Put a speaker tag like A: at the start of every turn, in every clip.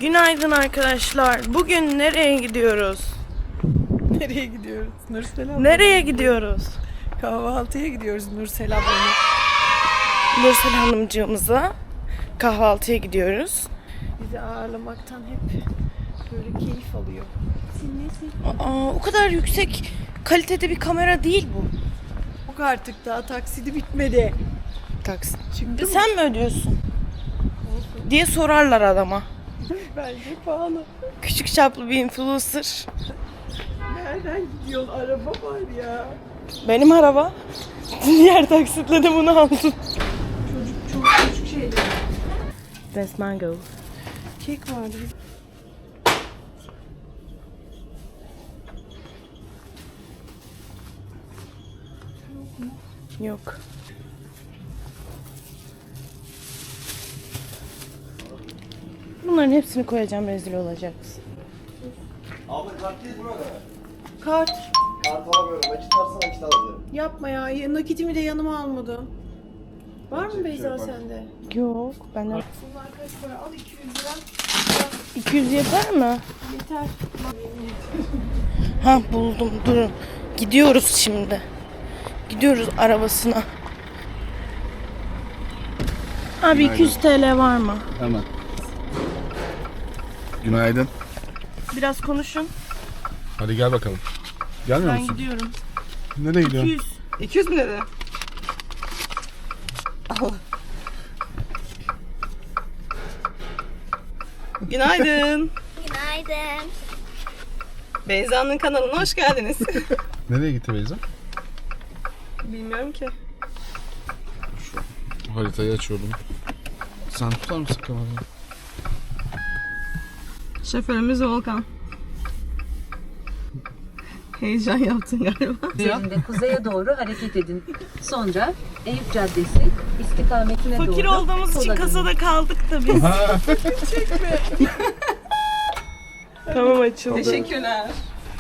A: Günaydın arkadaşlar. Bugün nereye gidiyoruz?
B: Nereye gidiyoruz? Nursel abla.
A: Nereye gidiyoruz?
B: Kahvaltıya gidiyoruz Nursel ablanın.
A: Nursel Hanımcığımıza kahvaltıya gidiyoruz.
B: Bizi ağırlamaktan hep böyle keyif alıyor.
A: O kadar yüksek kalitede bir kamera değil bu.
B: Yok artık daha taksidi bitmedi.
A: Taksi.
B: Çıktı mı?
A: Sen mi ödüyorsun? Diye sorarlar adama.
B: Bence pahalı.
A: Küçük çaplı bir influencer.
B: Nereden gidiyorsun? Araba var ya.
A: Benim araba. Diğer taksitle de bunu aldım.
B: Çok küçük şeyler.
A: That's mango.
B: Kek vardı.
A: Yok. Bunların hepsini koyacağım, rezil olacaksın.
C: Abla kart değil mi orada?
B: Kart.
C: Kart alamıyorum. Nakit varsa nakit alacağım.
B: Yapma ya. Nakitimi de yanıma almadım. Var mı Beyza sende?
A: Yok, benden
B: Bunlar kaç para? Al 200 lira.
A: 200 yeter mi?
B: Yeter.
A: Ha buldum, durun. Gidiyoruz şimdi. Gidiyoruz arabasına. Abi 200 TL var mı?
C: Hemen. Günaydın.
A: Biraz konuşun.
C: Hadi gel bakalım. Gelmiyor
A: Ben
C: musun?
A: gidiyorum.
C: Nereye gidiyorsun?
A: 200.
B: 200 mi dedi?
A: Günaydın.
D: Günaydın.
A: Beyza'nın kanalına hoş geldiniz.
C: Nereye gitti Beyza?
A: Bilmiyorum ki.
C: Haritayı açıyorum. Sen tutar mısın kamerayı?
A: Şoförümüz Volkan. Heyecan yaptın galiba.
E: Üzerinde kuzeye doğru hareket edin. Sonra Eyüp Caddesi istikametine doğru
A: Fakir olduğumuz için
E: sola dönün.
A: kasada kaldık da biz. Tamam açıldı.
B: Teşekkürler.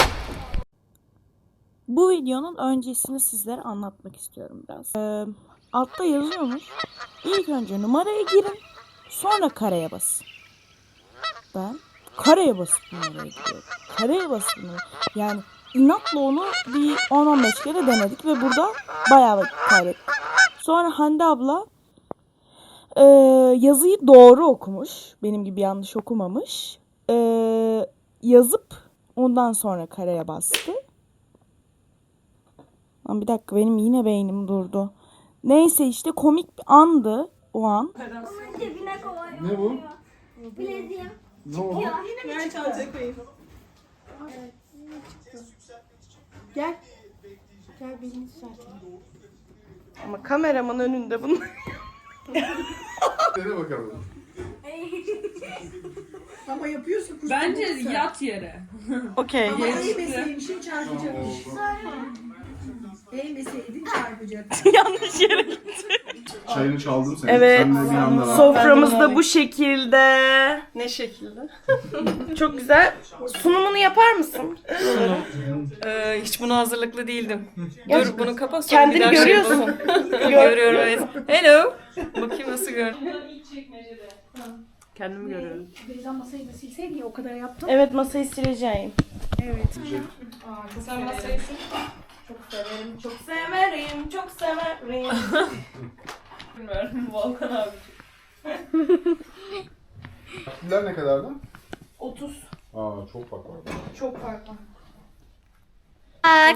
A: Bu videonun öncesini sizlere anlatmak istiyorum biraz. Altta yazıyormuş. İlk önce numaraya girin. Sonra kareye basın. Ben kareye basıp numaraya giriyorum. Kareye basıp numaraya. Yani inatla onu bir 10-15 kere denedik ve burada bayağı vakit kaybettik. Sonra Hande abla yazıyı doğru okumuş. Benim gibi yanlış okumamış. Yazıp ondan sonra kareye bastı. Lan bir dakika, benim yine beynim durdu. Neyse işte komik bir andı o an.
D: Cebine kolay.
C: Ne bu?
D: Bileziğim.
C: Ne oldu?
B: Gel. Gel belini düzeltelim.
A: Ama kameramın önünde bunu.
C: Dene bakalım.
B: Ama yapıyorsun kuş.
F: Bence yat yere.
A: Okey.
B: Ama eğmeseydin çarpacakmış. Eğmeseydin çarpacak.
A: Yanlış yere gitti.
C: Çayını çaldım seni.
A: Evet.
C: Sen de bir anda rahat.
A: Soframız da bu şekilde. Ne şekilde? Çok güzel. Sunumunu yapar mısın?
F: Hiç buna hazırlıklı değildim.
A: Ya,
F: Dur bunu kapat sonra
A: kendini
F: bir daha
A: görüyorsun.
F: Görüyorum evet. Hello. Bakayım nasıl gör.
A: Kendimi görüyorum.
B: Beyza masayı da silseydi ya o kadar yaptım.
A: Evet, masayı sileceğim.
B: Evet.
F: Sen masayı
A: Çok severim, çok severim, çok severim.
F: bilmiyorum. Volkan abi.
C: Takviyeler ne kadardı?
A: 30.
C: Aa çok fark var.
A: Çok farklı.
D: Bak.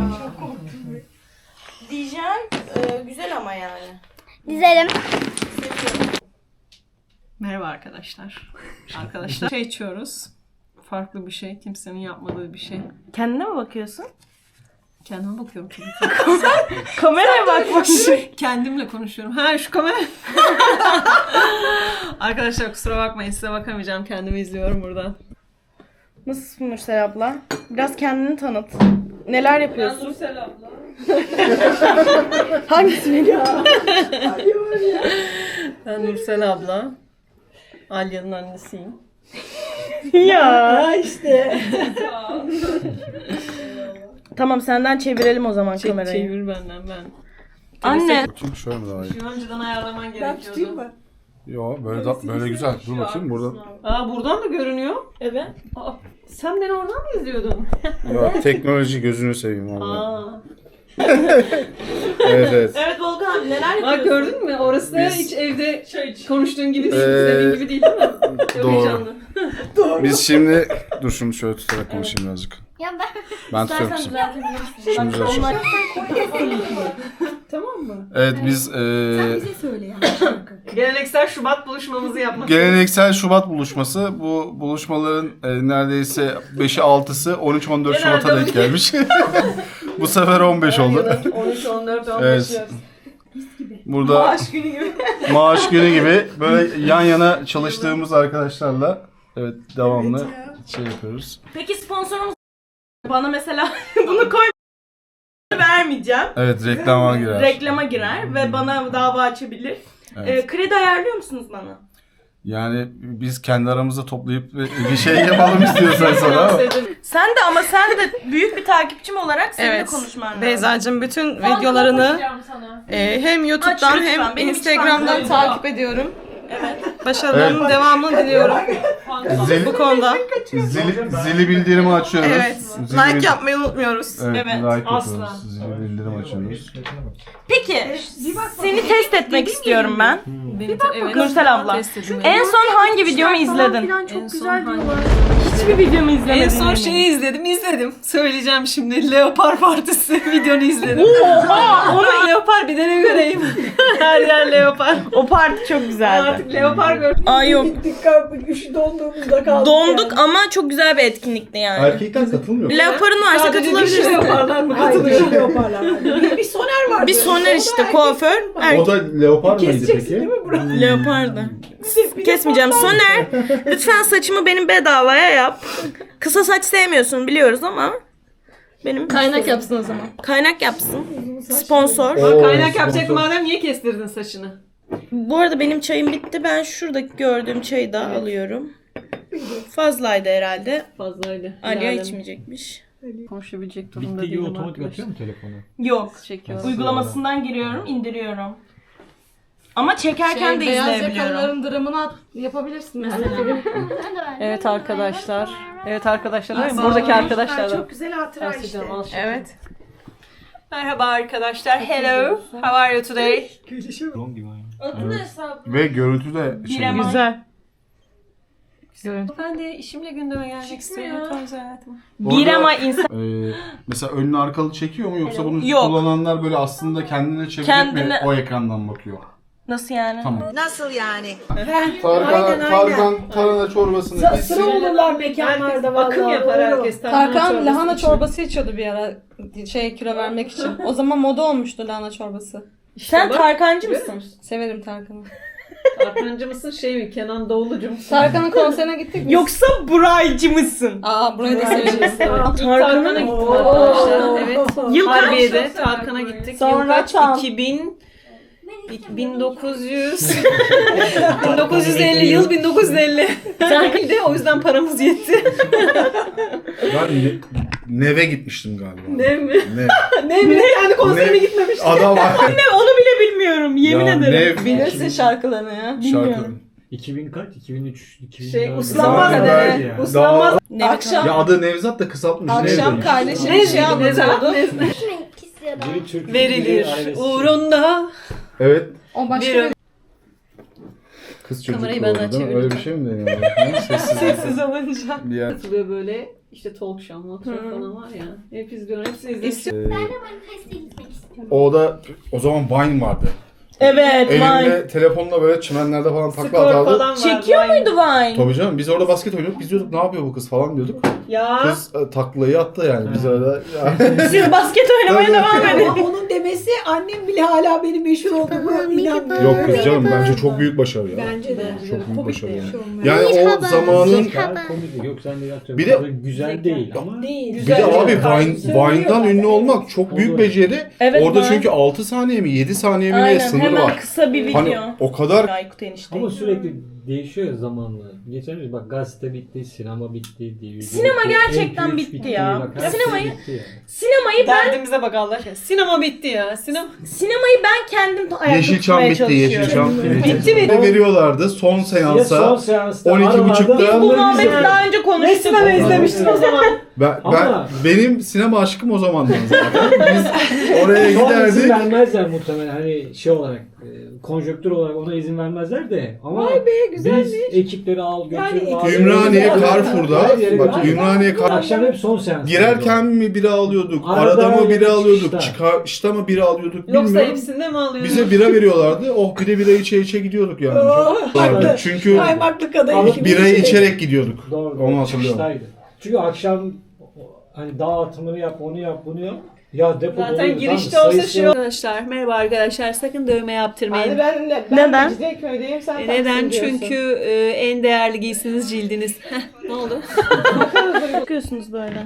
A: Diyeceğim, güzel ama yani.
D: Dizelim.
F: Merhaba arkadaşlar. Arkadaşlar şey içiyoruz. Farklı bir şey. Kimsenin yapmadığı bir şey.
A: Kendine mi bakıyorsun?
F: Kendime bakıyorum tabii ki.
A: Kameraya bakmış.
F: Kendimle konuşuyorum. Ha şu kamera. Arkadaşlar kusura bakmayın size bakamayacağım. Kendimi izliyorum buradan.
A: Nasılsın Nursel abla? Biraz kendini tanıt. Neler yapıyorsun?
F: Nursel abla.
A: Hangisi biliyor?
F: Ben Nursel abla. Alya'nın annesiyim.
A: Ya işte. Tamam, senden çevirelim o zaman kamerayı.
F: Çevir benden ben.
A: Anne.
C: Çünkü şöyle mi daha iyi?
F: Şunu önceden ayarlaman
B: Ben tutayım
F: gerekiyordu.
B: mı?
C: Yo böyle güzel. Dur bakayım burada.
F: Aa buradan da görünüyor.
A: Evet.
F: Aa, sen beni oradan mı izliyordun?
C: Ya teknoloji gözünü seveyim valla.
F: Aa.
C: Evet.
A: Evet Volkan abi neler
F: Bak
A: yapıyorsun?
F: gördün mü? Orası da
C: Biz-
F: hiç evde konuştuğun gibi değil. İstediğin gibi değil mi? Çok
C: Doğru.
F: heyecanlı.
C: Biz şimdi dur şunu şöyle tutarak konuşayım birazcık.
D: Ya ben
C: Ben tutuyorum
A: İstersen
C: şimdi.
A: düzeltebilirsin.
C: Şimdi düzelteceğim.
F: Tamam mı?
C: Evet biz
F: Geleneksel Şubat buluşmamızı yapmak.
C: geleneksel Şubat buluşması. Bu buluşmaların neredeyse 5'i 6'sı 13-14 Şubat'a denk gelmiş. Bu sefer 15 oldu.
F: 13, 14, 15
C: Evet.
F: yaz.
C: Burada
F: Maaş günü gibi.
C: maaş günü gibi böyle yan yana çalıştığımız arkadaşlarla evet devamlı şey yapıyoruz.
A: Peki sponsorumuz bana mesela bunu koy vermeyeceğim.
C: Evet reklama girer.
A: Reklama girer ve bana dava açabilir.
C: Evet.
A: Kredi ayarlıyor musunuz bana?
C: Yani biz kendi aramızda toplayıp bir şey yapalım istiyorsan sana ama.
A: Sen de büyük bir takipçim olarak seninle
G: Evet.
A: konuşman lazım.
G: Beyzacığım bütün videolarını hem YouTube'dan
A: Aç lütfen,
G: hem
A: benim
G: Instagram'dan
A: hiç
G: takip ediyorum.
A: Evet.
G: Başarılarının devamını diliyorum bu konuda.
C: Zili bildirimi açıyoruz.
G: Evet.
C: Zili
G: Like
C: bil-
G: yapmayı unutmuyoruz.
C: Evet,
A: Evet,
C: like
F: asla.
C: yapıyoruz. Zili bildirim açıyoruz.
A: Peki seni test etmek istiyorum ben.
F: Evet.
A: Nursel abla.
F: Test edin.
A: En son hangi videomu izledin?
F: En son hangi?
A: Hiçbir videomu izlemedin.
F: En son
A: eminim.
F: şeyi izledim. Söyleyeceğim şimdi. Leopar Partisi videonu izledim. Onu Leopar bir de ne göreyim. Her yer Leopar.
A: O parti çok güzeldi.
F: Artık Leopar gördüm.
A: Ay yok.
B: Donduğumuzda kaldık.
A: Donduk ama çok güzel bir etkinlikti yani.
C: Erkekler katılmıyor.
A: Leopar'ın varsa
F: Sadece dişi
A: katılabilirsin.
F: Leoparlar mı
B: Hayır,
F: katılıyor?
B: bir şey yaparlar. Bir soner vardı.
A: Bir soner işte kuaför.
C: O da leopar mıydı
B: Keseceksin değil
C: peki?
B: mi burayı?
A: Leopardı. Kesmeyeceğim. Soner lütfen saçımı benim bedavaya yap. Kısa saç sevmiyorsun biliyoruz ama benim
G: Kaynak yapsın o zaman.
A: kaynak yapsın. Sponsor.
C: Oo,
F: Kaynak yapacak
C: sponsor.
F: madem niye kestirdin saçını?
A: Bu arada benim çayım bitti. Ben şuradaki gördüğüm çayı da alıyorum. Fazlaydı herhalde.
F: Fazlaydı.
A: Aliye
F: Bilal'im
A: içmeyecekmiş.
F: Konuşabilecek durumda
H: Bittiği gibi
F: değilim
H: otomatik
F: arkadaşlar.
H: atıyor mu telefonu?
A: Yok.
F: Çekiyorum.
A: Uygulamasından giriyorum, indiriyorum. Ama çekerken de izleyebiliyorum.
G: dramını yapabilirsin mesela.
F: Evet arkadaşlar. Evet arkadaşlar. Buradaki arkadaşlar da.
B: Çok güzel hatıra işte.
F: Bahsedeceğim, al şimdi.
G: Evet.
F: Merhaba arkadaşlar. Hello. How are you today?
H: Drone gibi aynı.
C: Ve görüntü de şey.
A: Birema.
F: Güzel. Ben de işimle gündeme gelmek istiyorum. Lütfen özel hayatıma.
A: Bir ama insan
C: Mesela önlü arkalı çekiyor mu yoksa bunu
A: Yok.
C: kullananlar böyle aslında kendine çevirip mi
A: Kendine-
C: o ekrandan bakıyor?
A: nasıl yani?
C: Tamam.
B: Nasıl yani?
C: Tarkan tarhana çorbasını
B: Sıra olurlar mekanlarda vallahi.
F: Akım yapar
B: Öyle
F: herkes.
G: Tarkan lahana çorbası içiyordu bir ara kilo vermek için. O zaman moda olmuştu lahana çorbası.
A: Sen
F: bak,
A: Tarkancı mısın?
G: Severim Tarkan'ı.
F: Tarkancı mısın şey mi? Kenan Doğulucu musun?
G: Tarkan'ın konserine gittik mi?
A: Yoksa Buraycı mısın?
G: Aa burayı da severiz.
F: Tarkan'a gittik arkadaşlar. Evet.
A: Yıl kaç?
F: Harbiye'de Tarkan'a gittik.
A: Sonra
F: Yıl kaç?
A: tam.
F: 1900 1950 yıl 1950. Tarkan'da o yüzden paramız yetti.
C: Ben Neve gitmiştim galiba.
F: Ne mi?
C: Nev.
F: Ne mi? Yani konserine
C: Ne?
F: gitmemiş.
C: Adam
A: Ne onu bile bilmiyorum yemin
C: Ya
A: ederim.
C: Nev
G: Bilirsin şarkılarını ya.
C: şarkı.
H: 2000 kaç? 2003, 2004.
F: Şey, uslanmaz
C: Daha
F: dede.
C: evvel
H: ya.
F: Uslanmaz.
A: Ne
G: Akşam
C: Ya adı Nevzat da kısaltmış.
G: akşam
C: Nev demiş.
G: kardeşim
F: Ne
G: bir şey anlatıyordu.
H: Biri Türk, biri
F: Verilir
H: Arabesk.
F: uğrunda.
C: Evet.
G: O başka
F: Bir
G: bir
C: Kız çocuk
F: Kamerayı
C: oldu
F: benden
C: değil mi? Öyle bir şey mi deniyor? Ha, Sessiz.
F: sessiz olunca.
C: Bir yer.
F: Katılıyor böyle işte talk show, motor falan var ya. Hep izliyorum. Hepsini izliyorum.
C: O da o zaman Vine vardı.
A: Evet Vine.
C: Elinde telefonla böyle çimenlerde falan takla
F: Skor
C: atardı.
F: falan var.
A: Çekiyor
F: Vine.
A: muydu Vine?
C: Tabii canım biz orada basket oynuyorduk. Biz diyorduk ne yapıyor bu kız falan diyorduk.
F: Ya.
C: Kız taklayı attı yani biz orada.
A: Siz basket oynamaya devam edin.
B: Ama onun demesi annem bile hala benim meşhur olduğumu inanmıyor.
C: Yok kız canım bence çok büyük başarı ya.
B: Bence de.
C: Çok büyük
B: Komik
C: başarı
B: bir
C: yani.
B: şey olmuyor.
C: Yani o zamanın
H: Süper komedi. Yok sen de yaptın.
C: Bir de-
H: güzel değil ama
B: Değil.
C: bir de abi Vine'dan ünlü olmak çok büyük
H: Olur.
C: beceri.
A: Evet,
C: Orada
A: Vine.
C: çünkü 6 saniye mi 7 saniye mi ne
A: Aynen
C: sınır
A: hemen
C: var.
A: kısa bir video.
C: Hani o kadar
A: Aykut enişte.
H: ama sürekli değişiyor ya zamanla. Geçen bak gazete bitti, sinema bitti, DVD
G: Sinema
H: bitti,
G: gerçekten
H: MP3
G: bitti ya.
H: Bak, her
G: Sinemayı-
H: şey bitti ya.
G: Sinemayı
F: Derdimize bak Allah aşkına. Sinema bitti ya.
G: sinemayı ben kendim ayakta
C: Yeşilçam
G: tutmaya
C: bitti,
G: çalışıyorum.
C: Yeşilçam.
F: Bitti mi?
C: Ne veriyorlardı son
H: Ya son
C: seansa?
H: seansta
C: 12.30'da
H: aralarda-
G: Bu muhabbeti daha önce
F: Ne
G: konuştuk.
F: sinema izlemiştin o zaman?
H: Ama-
C: Benim sinema aşkım o zamandan zaten. Biz oraya
H: Şu an izin
C: giderdik.
H: vermezler muhtemelen hani şey olarak, konjonktür olarak ona izin vermezler de. Ama
F: Vay be, güzelmiş.
H: biz ekipleri al götür.
F: Yani
H: al,
C: Ümraniye
H: götür,
C: Carrefour'da.
H: her yere
C: Bak
H: götür.
C: Ümraniye
H: Akşam hep son seans.
C: girerken mi biri alıyorduk?
H: Arada
C: Arada mı biri
H: yani
C: alıyorduk?
H: çıkışta.
C: Çıkışta mı biri alıyorduk?
F: Yoksa
C: Bilmiyorum.
F: hepsinde mi alıyordun?
C: Bize bira veriyorlardı. Oh bir de bira içe gidiyorduk yani. Çok vardı. Çünkü
F: Kaymaklı kadayıf
H: Alıp
F: gibi
C: birayı
F: bir şey.
C: içerek gidiyorduk.
H: Doğru.
C: Onu hatırlıyorum.
H: Çıkıştaydı. Çünkü akşam hani dağıtımını yap, onu yap, bunu yap. Ya depo
F: Zaten
H: doluyor,
F: girişte
H: tamam,
F: olsa
H: sayısı-
F: şey Arkadaşlar merhaba arkadaşlar sakın dövme yaptırmayın.
B: Ben
G: Neden?
B: Mecidiyeköy'deyim, sen
F: Neden?
B: Taksim'de diyorsun.
F: Çünkü en değerli giysiniz cildiniz. Heh, ne oldu?
G: Bakıyorsunuz böyle.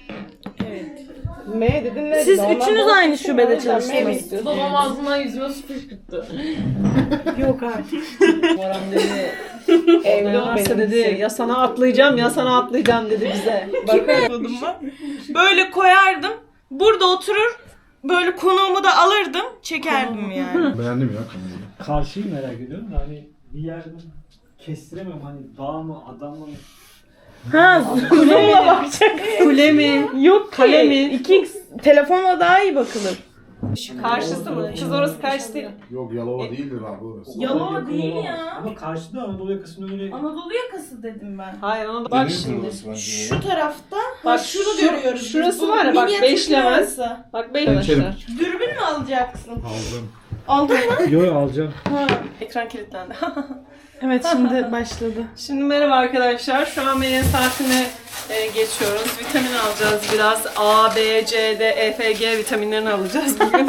B: M dedin ne?
G: Siz
B: dedin? Ondan
G: üçünüz
B: sonra
G: aynı şubede
B: M mi
G: çalıştınız.
B: istiyorsun?
F: Babam ağzından yüzüme su fışkırttı.
B: Yok artık.
F: Baran dedi.
B: Evli
F: Ne
B: ol
F: varsa
B: benim
F: dedi
B: için.
F: ya sana atlayacağım ya sana atlayacağım dedi bize.
A: Yapıyordum ben. Böyle koyardım. Burada oturur. Böyle konuğumu da alırdım. Çekerdim yani.
C: Beğendim ya.
H: Karşıyı merak ediyorum da hani bir yerden kestiremem hani dağ mı adam mı?
G: Ha, zoom'la bakacak.
F: Kule mi?
G: Yok
F: Kale mi?
G: 2x telefonla daha iyi bakılır.
F: Karşısı mı? Kız orası karşı değil.
C: Yok Yalova değildir abi orası.
A: Yalova
H: Yakın
A: değil
H: olamaz.
A: ya.
H: Ama karşıda Anadolu yakasının öyle
A: Anadolu yakası dedim ben.
F: Hayır ona bak şimdi.
A: Şu tarafta.
F: Bak
A: şunu
F: şu-
A: görüyoruz.
F: şurası
A: Bu
F: var ya, bak,
A: minyatür
F: beşlemez.
A: arası.
F: Bak bey arkadaşlar.
A: Dürbün mü alacaksın?
C: Aldım.
A: Aldın mı?
H: Yo alacağım.
F: Ekran kilitlendi.
G: Evet şimdi başladı.
F: Şimdi merhaba arkadaşlar. Şu an Melih'in saatine geçiyoruz. Vitamin alacağız biraz. A, B, C, D, E, F, G vitaminlerini alacağız bugün.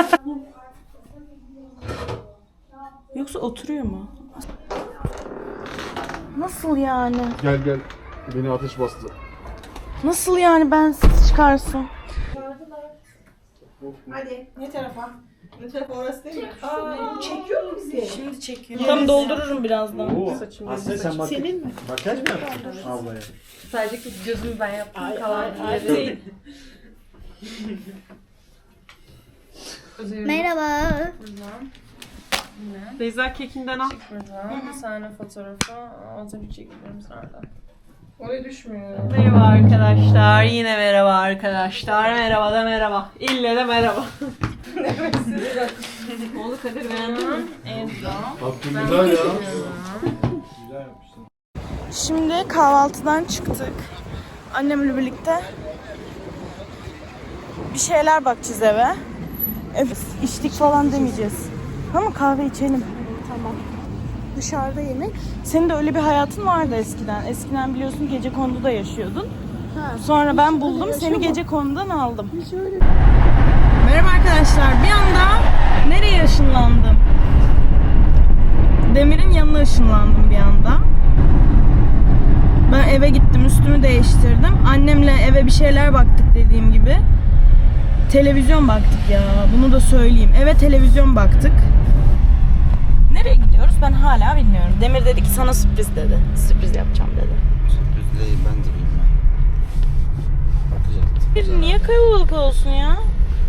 A: Yoksa oturuyor mu?
G: Nasıl yani?
C: Gel gel. Beni ateş bastı.
G: Nasıl yani bensiz çıkarsın?
B: Hadi ne tarafa? Ne tarafa orası değil mi? Çekiyor mu bizi?
A: Şimdi çekiyor.
G: Tam doldururum birazdan.
H: Aslında sen bak.
B: Senin mi?
H: Makyaj mı yaptın ablaya?
F: Sadece gözümü ben yaptım. Kalan
B: ay,
F: değil.
D: Merhaba.
F: Beyza kekinden al.
I: Bir tane fotoğrafı az önce çektiğimiz nerede? Oraya düşmüyor.
F: Merhaba arkadaşlar. Yine merhaba arkadaşlar. Merhaba da merhaba. İlle de merhaba. Ne oldu Kadir beğendin mi?
C: Hakkım güzel ya.
H: Güzel yapmışsın.
A: Şimdi kahvaltıdan çıktık. Annemle birlikte bir şeyler bakacağız eve. İçtik falan demeyeceğiz. Ama kahve içelim. Tamam. Dışarıda yemek. Senin de öyle bir hayatın vardı eskiden. Eskiden biliyorsun Gecekondu'da yaşıyordun. Sonra ben buldum. Seni Gecekondu'dan aldım. Merhaba arkadaşlar. Bir anda nereye ışınlandım? Demir'in yanına ışınlandım bir anda. Ben eve gittim, üstümü değiştirdim. Annemle eve bir şeyler baktık dediğim gibi. Televizyon baktık ya, bunu da söyleyeyim. Eve televizyon baktık. Nereye gidiyoruz ben hala bilmiyorum. Demir dedi ki sana sürpriz dedi. Sürpriz yapacağım dedi.
J: Sürpriz değil, ben de bilmem. Bakacağız.
A: Bir niye kalabalık olsun ya?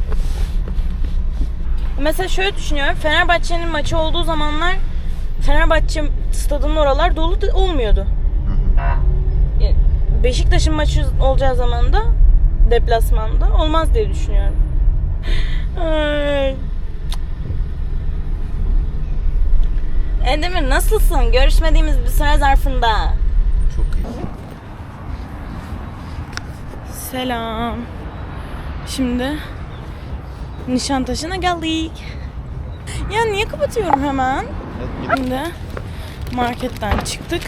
A: Mesela şöyle düşünüyorum. Fenerbahçe'nin maçı olduğu zamanlar Fenerbahçe stadının oralar dolu olmuyordu. Beşiktaş'ın maçı olacağı zaman da deplasmanda olmaz diye düşünüyorum. Ay. Demir nasılsın? Görüşmediğimiz bir süre zarfında.
J: Çok iyi.
A: Selam. Şimdi Nişantaşı'na geldik. Ya niye kapatıyorum hemen? Şimdi marketten çıktık.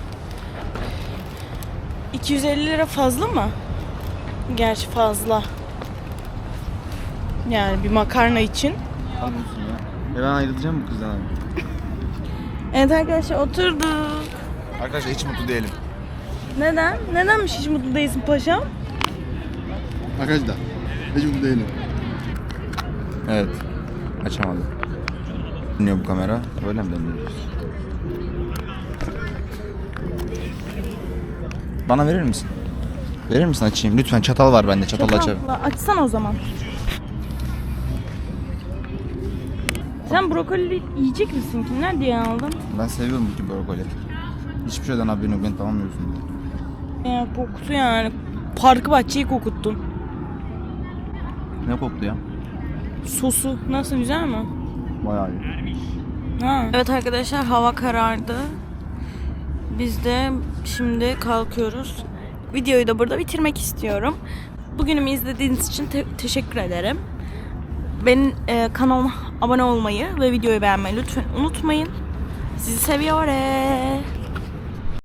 A: 250 lira fazla mı? Gerçi fazla. Yani bir makarna için.
J: Almıyorsun ya. Ben ayrılacağım bu kızdan.
A: Evet arkadaşlar oturduk.
J: Arkadaşlar hiç mutlu değilim.
A: Neden? Nedenmiş hiç mutlu değilsin paşam?
J: Arkadaşlar hiç mutlu değilim. Evet. Açamadım. Dinliyor bu kamera. Öyle mi deniyoruz? Bana verir misin? Verir misin açayım? Lütfen çatal var bende. Çatalla açarım.
A: Çatalla açsana o zaman. Sen brokoli yiyecek misin ki? Nerede aldın?
J: Ben seviyorum bu brokoli. Hiçbir şeyden haberin yok. Beni tamamlıyorsun.
A: Ya koktu yani. Parkı bahçeyi kokuttun.
J: Ne koktu ya?
A: Sosu nasıl, güzel mi?
J: Bayağı iyi.
A: Ha. Evet arkadaşlar, hava karardı. Biz de şimdi kalkıyoruz. Videoyu da burada bitirmek istiyorum. Bugünümü izlediğiniz için teşekkür ederim. Benim kanalıma abone olmayı ve videoyu beğenmeyi lütfen unutmayın. Sizi seviyorum.